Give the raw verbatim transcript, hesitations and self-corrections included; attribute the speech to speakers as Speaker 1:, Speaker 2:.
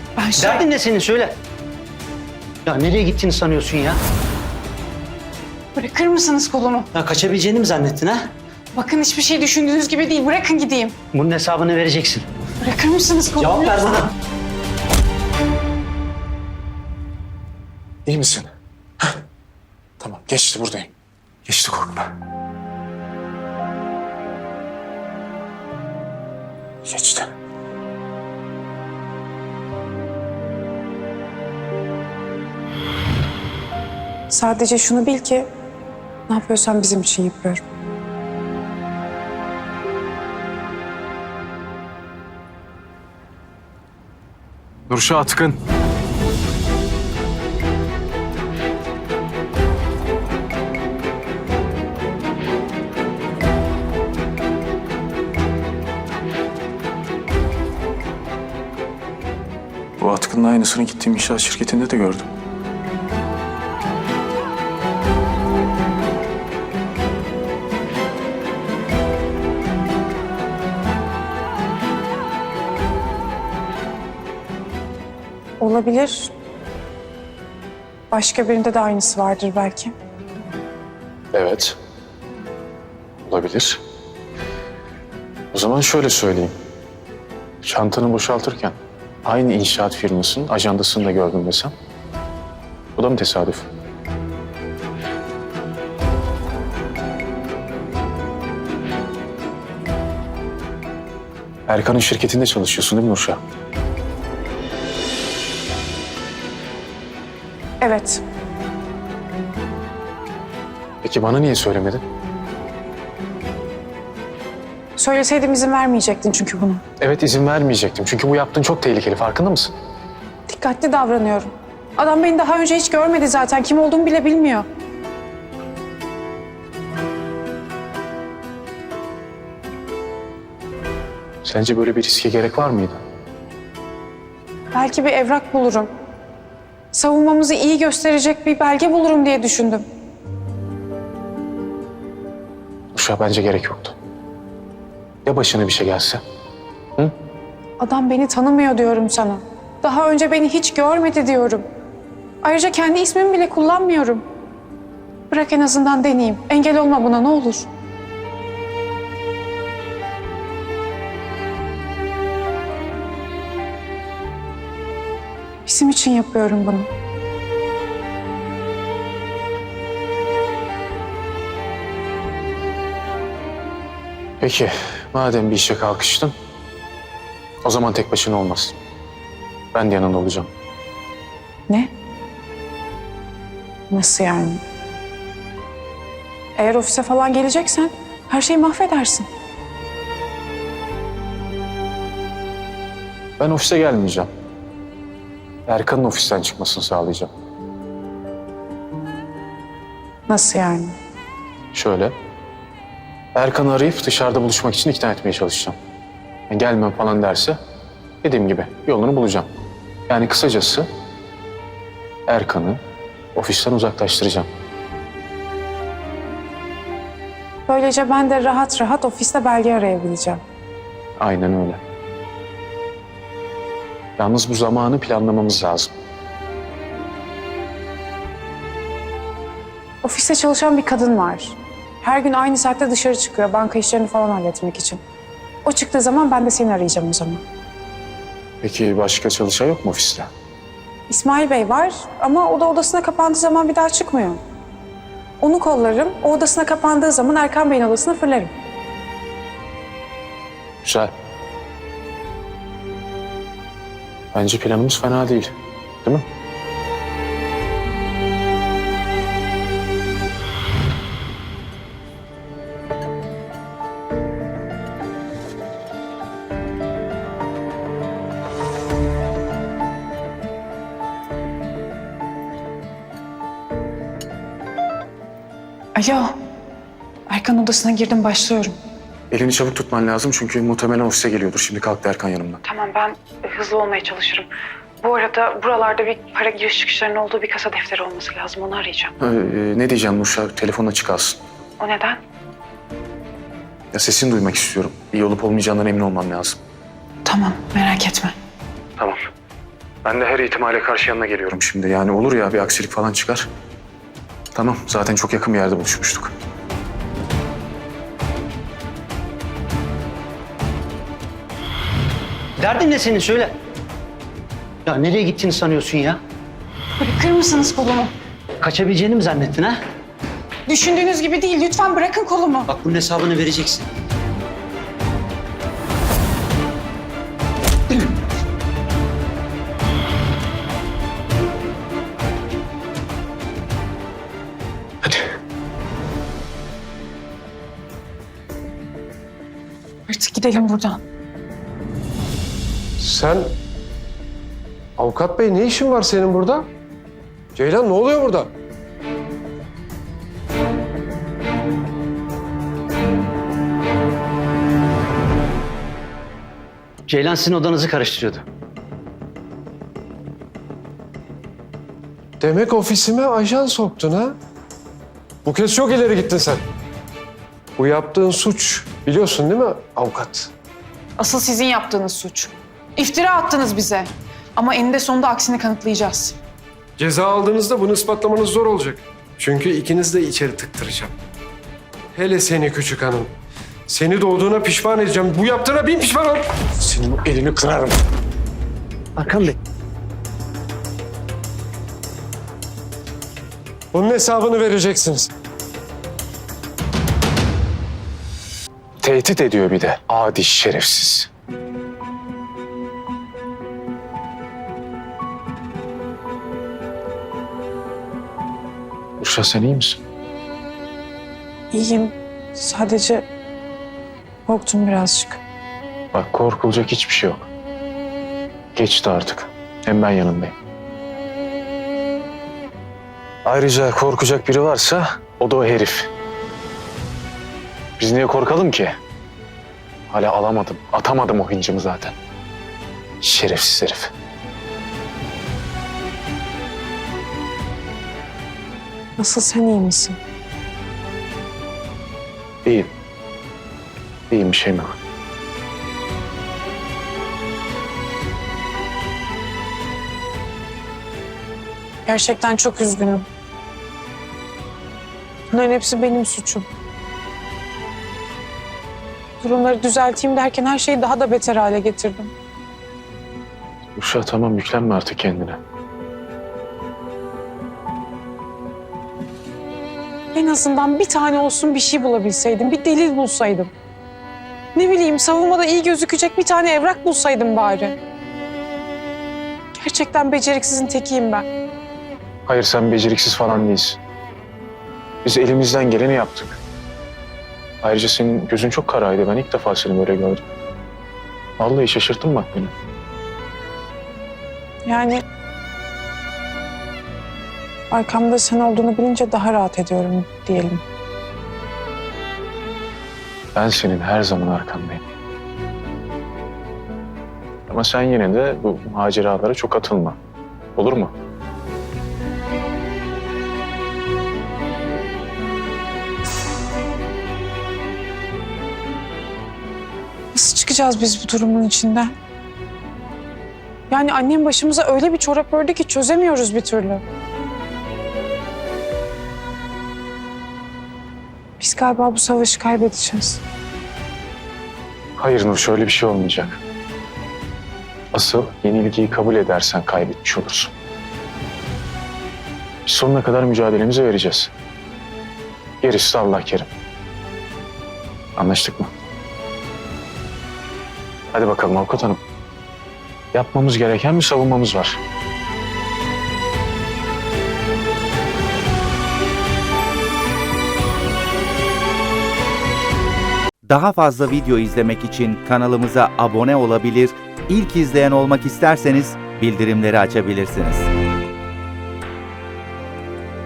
Speaker 1: Ben şey...
Speaker 2: Derdin ne senin söyle. Ya nereye gittiğini sanıyorsun ya?
Speaker 1: Bırakır mısınız kolumu?
Speaker 2: Ya kaçabileceğini mi zannettin ha?
Speaker 1: Bakın hiçbir şey düşündüğünüz gibi değil. Bırakın gideyim.
Speaker 2: Bunun hesabını vereceksin.
Speaker 1: Bırakır mısınız kolumu?
Speaker 2: Cevap ver bana.
Speaker 3: İyi misin? Heh. Tamam, geçti buradayım. Geçti, korkma. Geçti.
Speaker 4: Sadece şunu bil ki ne yapıyorsam bizim için yapıyorum.
Speaker 3: Nurşah Atkın. Bu Atkın'ın aynısını gittiğim inşaat şirketinde de gördüm.
Speaker 4: Olabilir. Başka birinde de aynısı vardır belki.
Speaker 3: Evet. Olabilir. O zaman şöyle söyleyeyim. Çantanı boşaltırken aynı inşaat firmasının ajandasını da gördüm desem. Bu da mı tesadüf? Erkan'ın şirketinde çalışıyorsun değil mi Nurşah?
Speaker 4: Evet.
Speaker 3: Peki bana niye söylemedin?
Speaker 4: Söyleseydim izin vermeyecektin çünkü bunu.
Speaker 3: Evet, izin vermeyecektim. Çünkü bu yaptığın çok tehlikeli. Farkında mısın?
Speaker 4: Dikkatli davranıyorum. Adam beni daha önce hiç görmedi zaten. Kim olduğumu bile bilmiyor.
Speaker 3: Sence böyle bir riske gerek var mıydı?
Speaker 4: Belki bir evrak bulurum. Savunmamızı iyi gösterecek bir belge bulurum diye düşündüm.
Speaker 3: Nurşah, bence gerek yoktu. Ya başına bir şey gelse? Hı?
Speaker 4: Adam beni tanımıyor diyorum sana. Daha önce beni hiç görmedi diyorum. Ayrıca kendi ismimi bile kullanmıyorum. Bırak en azından deneyeyim. Engel olma buna ne olur. Bizim için yapıyorum bunu.
Speaker 3: Peki, madem bir işe kalkıştın, o zaman tek başına olmaz. Ben de yanında olacağım.
Speaker 4: Ne? Nasıl yani? Eğer ofise falan geleceksen her şeyi mahvedersin.
Speaker 3: Ben ofise gelmeyeceğim. Erkan'ın ofisten çıkmasını sağlayacağım.
Speaker 4: Nasıl yani?
Speaker 3: Şöyle, Erkan'ı arayıp dışarıda buluşmak için ikna etmeye çalışacağım. Yani gelmem falan derse, dediğim gibi yolunu bulacağım. Yani kısacası Erkan'ı ofisten uzaklaştıracağım.
Speaker 4: Böylece ben de rahat rahat ofiste belge arayabileceğim.
Speaker 3: Aynen öyle. Yalnız bu zamanı planlamamız lazım.
Speaker 4: Ofiste çalışan bir kadın var. Her gün aynı saatte dışarı çıkıyor banka işlerini falan halletmek için. O çıktığı zaman ben de seni arayacağım o zaman.
Speaker 3: Peki başka çalışan yok mu ofiste?
Speaker 4: İsmail Bey var ama o da odasına kapandığı zaman bir daha çıkmıyor. Onu kollarım, o odasına kapandığı zaman Erkan Bey'in odasına fırlarım.
Speaker 3: Güzel. Bence planımız fena değil, değil mi?
Speaker 4: Alo, Erkan odasına girdim başlıyorum.
Speaker 3: Elini çabuk tutman lazım çünkü muhtemelen ofise geliyordur. Şimdi kalktı Erkan yanımdan.
Speaker 4: Tamam ben hızlı olmaya çalışırım. Bu arada buralarda bir para giriş çıkışlarının olduğu bir kasa defteri olması lazım. Onu arayacağım.
Speaker 3: Ee, ne diyeceğim Nurşah? Telefon açık kalsın.
Speaker 4: O neden?
Speaker 3: Ya sesini duymak istiyorum. İyi olup olmayacağından emin olmam lazım.
Speaker 4: Tamam merak etme.
Speaker 3: Tamam. Ben de her ihtimale karşı yanına geliyorum şimdi. Yani olur ya bir aksilik falan çıkar. Tamam, zaten çok yakın bir yerde buluşmuştuk.
Speaker 2: Derdin ne senin söyle. Ya nereye gittiğini sanıyorsun ya?
Speaker 1: Bırakır mısınız kolumu?
Speaker 2: Kaçabileceğini mi zannettin ha?
Speaker 1: Düşündüğünüz gibi değil. Lütfen bırakın kolumu.
Speaker 2: Bak bunun hesabını vereceksin.
Speaker 3: Hadi.
Speaker 1: Artık gidelim buradan.
Speaker 5: Sen... Avukat bey ne işin var senin burada? Ceylan ne oluyor burada?
Speaker 2: Ceylan sizin odanızı karıştırıyordu.
Speaker 5: Demek ofisime ajan soktun ha? Bu kez çok ileri gittin sen. Bu yaptığın suç biliyorsun değil mi avukat?
Speaker 1: Asıl sizin yaptığınız suç. İftira attınız bize. Ama eninde sonunda aksini kanıtlayacağız.
Speaker 5: Ceza aldığınızda bunu ispatlamanız zor olacak. Çünkü ikiniz de içeri tıktıracağım. Hele seni küçük hanım. Seni doğduğuna pişman edeceğim. Bu yaptığına bin pişman ol.
Speaker 3: Senin o elini kırarım.
Speaker 2: Hakan Bey.
Speaker 5: Bunun hesabını vereceksiniz.
Speaker 3: Tehdit ediyor bir de. Adi şerefsiz. Uşa sen iyi misin?
Speaker 4: İyiyim. Sadece korktum birazcık.
Speaker 3: Bak korkulacak hiçbir şey yok. Geçti artık. Hem ben yanındayım. Ayrıca korkacak biri varsa o da o herif. Biz niye korkalım ki? Hala alamadım, atamadım o hıncımı zaten. Şerefsiz herif.
Speaker 4: Nasıl sen iyi misin?
Speaker 3: İyiyim. İyiyim, bir şeyim yok.
Speaker 4: Gerçekten çok üzgünüm. Bunların hepsi benim suçum. Durumları düzelteyim derken her şeyi daha da beter hale getirdim.
Speaker 3: Uşa tamam, yüklenme artık kendine.
Speaker 4: En azından bir tane olsun bir şey bulabilseydim, bir delil bulsaydım. Ne bileyim, savunmada iyi gözükecek bir tane evrak bulsaydım bari. Gerçekten beceriksizin tekiyim ben.
Speaker 3: Hayır, sen beceriksiz falan değilsin. Biz elimizden geleni yaptık. Ayrıca senin gözün çok karaydı. Ben ilk defa seni böyle gördüm. Vallahi şaşırttın bak beni.
Speaker 4: Yani arkamda sen olduğunu bilince daha rahat ediyorum diyelim.
Speaker 3: Ben senin her zaman arkandayım. Ama sen yine de bu maceralara çok atılma. Olur mu?
Speaker 4: Nasıl çıkacağız biz bu durumun içinden? Yani annem başımıza öyle bir çorap ördü ki çözemiyoruz bir türlü. Biz galiba bu savaşı kaybedeceğiz.
Speaker 3: Hayır Nur, şöyle bir şey olmayacak. Asıl yenilgiyi kabul edersen kaybetmiş olursun. Biz sonuna kadar mücadelemizi vereceğiz. Gerisi de Allah kerim. Anlaştık mı? Hadi bakalım avukat hanım. Yapmamız gereken bir savunmamız var.
Speaker 6: Daha fazla video izlemek için kanalımıza abone olabilir, ilk izleyen olmak isterseniz bildirimleri açabilirsiniz.